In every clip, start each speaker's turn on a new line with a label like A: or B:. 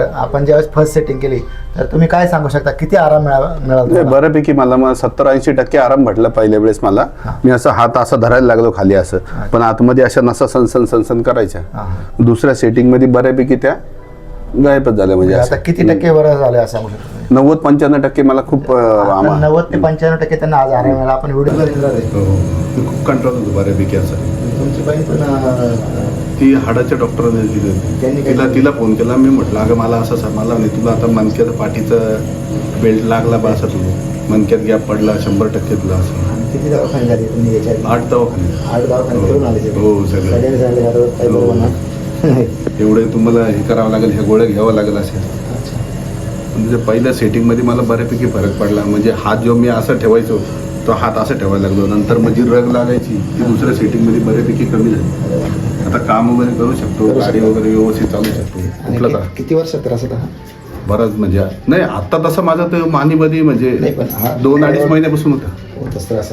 A: आपण ज्यावेळेस first setting केली तर तुम्ही काय सांगू शकता, किती आराम मिळाला?
B: बऱ्यापैकी मला 70-80% आराम भेटला पहिल्या वेळेस मला. मी असं हात असा धरायला लागलो खाली असं, पण आतमध्ये अशा नसा सनसन सनसन करायच्या. दुसऱ्या सेटिंग मध्ये बऱ्यापैकी त्या गायबच झाल्या. म्हणजे
A: आता किती टक्के बरं झालं असं सांगू शकतो?
B: 90-95% मला खूप
A: 90 ते 95% त्यांना आज आराम मिळाला. आपण व्हिडिओ
B: खूप कंट्रोल होतो बऱ्यापैकी असं.
A: तुमची बाई पण
B: ती हाडाच्या डॉक्टरने दिली. तिला फोन केला. मी म्हटलं अगं मला असं मला नाही, तुला आता मणक्याचं पाठीचं बेल्ट लागला बा असं, तुला मणक्यात गॅप पडला 100% तुला असं.
A: किती दवाखाने झाले तुम्ही याच्या?
B: 8 दवाखाने.
A: 8 दवाखाने करून आले?
B: हो सगळं
A: झाले.
B: एवढे तुम्हाला हे करावं लागेल, ह्या गोळ्या घ्यावं लागेल असे. म्हणजे पहिल्या सेटिंगमध्ये मला बऱ्यापैकी फरक पडला. म्हणजे हात जो मी असं ठेवायचो तो हात असं ठेवायला लागलो. नंतर माझी रग लागायची ती दुसऱ्या सेटिंगमध्ये बऱ्यापैकी कमी झाली. आता काम वगैरे करू शकतो, गाडी वगैरे व्यवस्थित चालू शकतो. कुठलं का
A: किती वर्षात त्रास होता?
B: बराच म्हणजे नाही आता तसं माझं तर मानीमध्ये म्हणजे 2-2.5 महिन्यापासून होता
A: त्रास.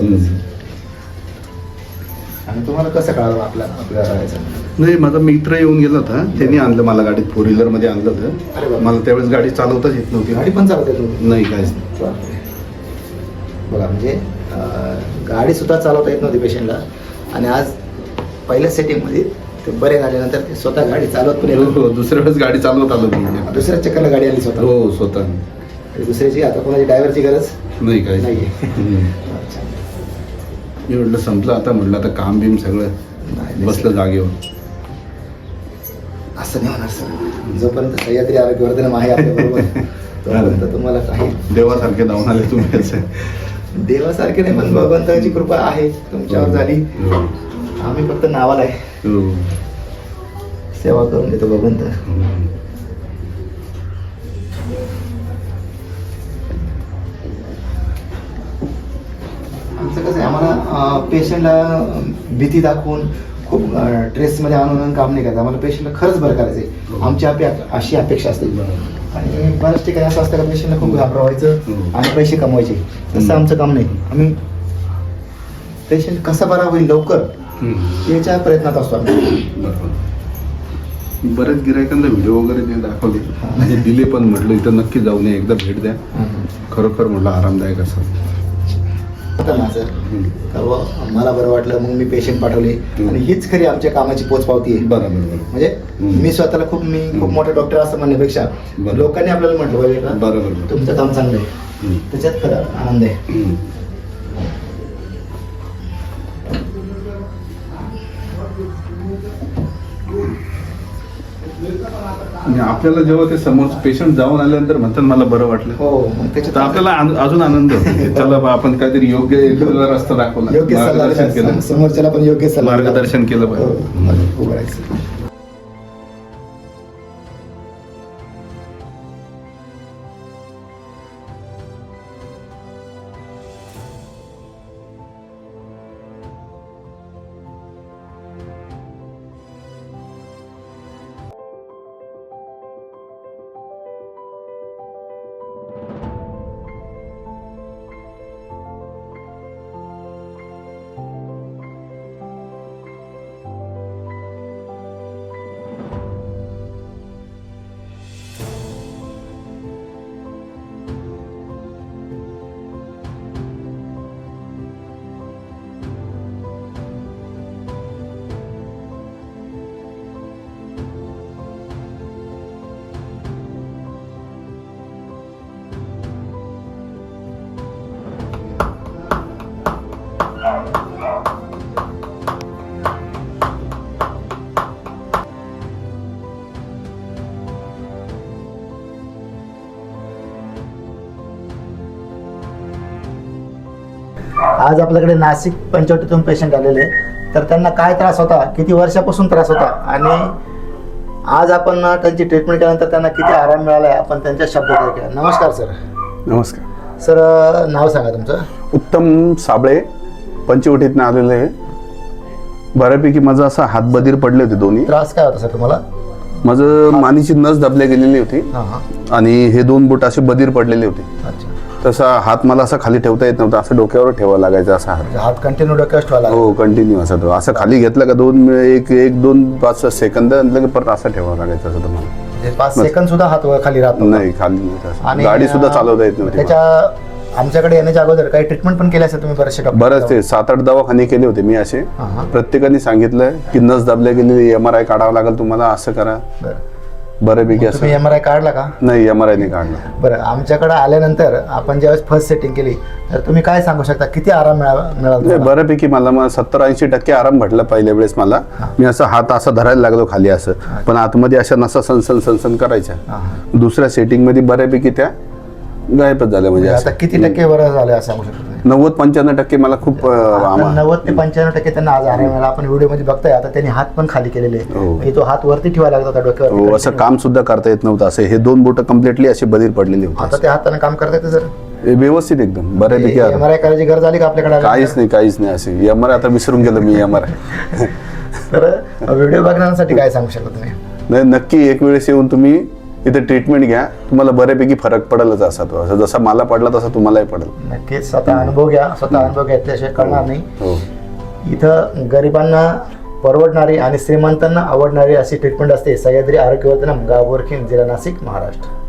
A: आणि तुम्हाला कसं कळालं आपल्या
B: नाही, माझा मित्र येऊन गेला होता, त्यांनी आणलं मला गाडीत, 4 व्हीलरमध्ये आणलं होतं. मला त्यावेळेस गाडी चालवताच येत नव्हती.
A: गाडी पण चालवता येत नव्हती?
B: नाही, काहीच नाही.
A: बघा म्हणजे गाडी सुद्धा चालवता येत नव्हती पेशंटला, आणि आज पहिल्या सेटिंगमध्ये ते बरे झाल्यानंतर ते स्वतः गाडी चालवत पण येत.
B: हो, दुसऱ्या वेळेस गाडी चालवत आलो मी.
A: दुसऱ्या चक्करला गाडी आली स्वतः?
B: हो, स्वतः.
A: दुसऱ्याची आता कोणाची ड्रायव्हरची गरज
B: नाही, काही
A: नाही.
B: मी म्हटलं संपलं आता, म्हटलं आता काम बिम सगळं बसलं जागेवर.
A: असं नाही होणार सर. जोपर्यंत सह्याद्री आरोग्यवर्धन आहे आपल्याबरोबर तोपर्यंत तुम्हाला काही
B: देवासारखे धावून आले तुम्ही. असं
A: देवासारखे नाही, पण भगवंताची कृपा आहे तुमच्यावर झाली. आम्ही फक्त नावाला आहे, सेवा करून देतो भगवंत. आमचं कसं आहे, आम्हाला पेशंटला भीती दाखवून खूप स्ट्रेसमध्ये आणून काम नाही करायचं. आम्हाला पेशंटला खरंच बरं करायचं आहे. आमची अशी अपेक्षा असते. आणि बऱ्याच ठिकाणी असं असतं का पेशंटला खूप घाबरवायचं आणि पैसे कमवायचे. तसं आमचं काम नाही. आम्ही पेशंट कसा बरा होईल लवकर याच्या प्रयत्नात असतो आम्ही.
B: बरेच गिरायकांना व्हिडिओ वगैरे ते दाखवले, म्हणजे दिले पण. म्हटलं इथं नक्की जाऊ नये, एकदा भेट द्या. खरोखर म्हटलं आरामदायक असं
A: ना सर. मला बरं वाटलं, मग मी पेशंट पाठवले. आणि हीच खरी आमच्या कामाची पोचपावती आहे.
B: बरोबर.
A: म्हणजे मी स्वतःला खूप मोठा डॉक्टर असं म्हणण्यापेक्षा लोकांनी आपल्याला म्हटलं पाहिजे का बरोबर तुमचं काम चांगलं आहे, त्याच्यात खरं आनंद आहे.
B: आपल्याला जेव्हा ते समोर पेशंट जाऊन आल्यानंतर म्हणतात मला बरं वाटलं,
A: हो, त्याच्यात
B: आपल्याला अजून आनंद होतो. चला बा, आपण काहीतरी योग्य रस्ता दाखवला,
A: योग्य मार्गदर्शन केलं, समोरच्याला पण योग्य सल्ला
B: मार्गदर्शन केलं पाहिजे. आज आपल्याकडे नाशिक पंचवटीतून पेशंट आलेले, तर त्यांना काय त्रास होता, किती वर्षापासून त्रास होता, आणि आज आपण त्यांची ट्रीटमेंट केल्यानंतर त्यांना किती आराम मिळाला आहे आपण त्यांच्या शब्दात ऐकूया. नमस्कार सर. नमस्कार
A: सर. नाव सांगा तुमचं?
B: उत्तम साबळे, पंचवटीतनं आलेलं आहे. बऱ्यापैकी माझा असा हात बधीर पडले होते दोन्ही.
A: त्रास काय होता सर तुम्हाला?
B: माझं मानेची नस दबल्या गेलेली होती आणि हे 2 बोट असे बधीर पडलेले होते.
A: अच्छा.
B: तसा हात मला असा खाली ठेवता येत नव्हता, असं डोक्यावर ठेवावा लागायचा असा
A: हात कंटिन्यू डोक्यावर ठेवायला?
B: हो, कंटिन्यू असा तो असं खाली घेतला का 1-2-5 सेकंद लगे परत असा ठेवावा लागायचा असं तुम्हाला.
A: म्हणजे 5 सेकंद सुद्धा हात खाली राहत नव्हता.
B: नाही, खाली नव्हतं.
A: आणि
B: गाडी सुद्धा चालवता येत नव्हती.
A: त्याच्या आमच्याकडे येण्याच्या अगोदर काही ट्रीटमेंट पण केली असेल तुम्ही बरेचसे डॉक्टर?
B: बरंच ते 7-8 दवाखाने केले होते मी असे. प्रत्येकाने सांगितलं की नस दाबल्या गेलेली MRI काढावं लागेल तुम्हाला, असं करा. बऱ्यापैकी असं.
A: तुम्ही MRI काढला का?
B: नाही, MRI नाही काढला.
A: बरं, आमच्याकडे आल्यानंतर आपण ज्यावेळेस फर्स्ट सेटिंग केली तर तुम्ही काय सांगू शकता, किती आराम मिळाला तुम्हाला?
B: बऱ्यापैकी मला 70-80% आराम भेटला पहिल्या वेळेस मला. मी असं हात असा धरायला लागलो खाली असं, पण आतमध्ये अशा नसा सनसन सनसन करायच्या. दुसऱ्या सेटिंग मध्ये बऱ्यापैकी त्या गायबच झाल्या. म्हणजे
A: आता किती टक्के बरं झालं असं सांगू शकतो?
B: 90-95% मला खूप
A: 90 ते 95% त्यांना आज आराम मिळाला. आपण व्हिडिओ मध्ये बघताय आता त्यांनी हात पण खाली केलेले, म्हणजे तो हात वरती ठेवायला लागत होता डोक्यावर.
B: असं काम सुद्धा करता येत नव्हतं. असं हे 2 बोट कम्प्लिटली असे बधीर पडलेले होते.
A: आता त्या हाताने काम करता येतं सर?
B: व्यवस्थित एकदम बऱ्यापैकी.
A: MRI करायची गरज आली का आपल्याकडे?
B: काहीच नाही असे. MRI आता विसरून गेलो मी MRI.
A: तर व्हिडिओ बघण्यासाठी काय सांगू शकता तुम्ही?
B: नाही, नक्की एक वेळेस येऊन तुम्ही इथे ट्रीटमेंट घ्या, तुम्हाला बऱ्यापैकी फरक पडेलच. असा तो असं जसा मला पडला तसा तुम्हालाही पडेल.
A: नक्कीच स्वतः अनुभव घ्या. स्वतः अनुभव घेतल्याशिवाय कळणार नाही. इथं गरिबांना परवडणारी आणि श्रीमंतांना आवडणारी अशी ट्रीटमेंट असते. सह्याद्री आरोग्यवर्धनम, गाव बोरखेड, जिल्हा नाशिक, महाराष्ट्र.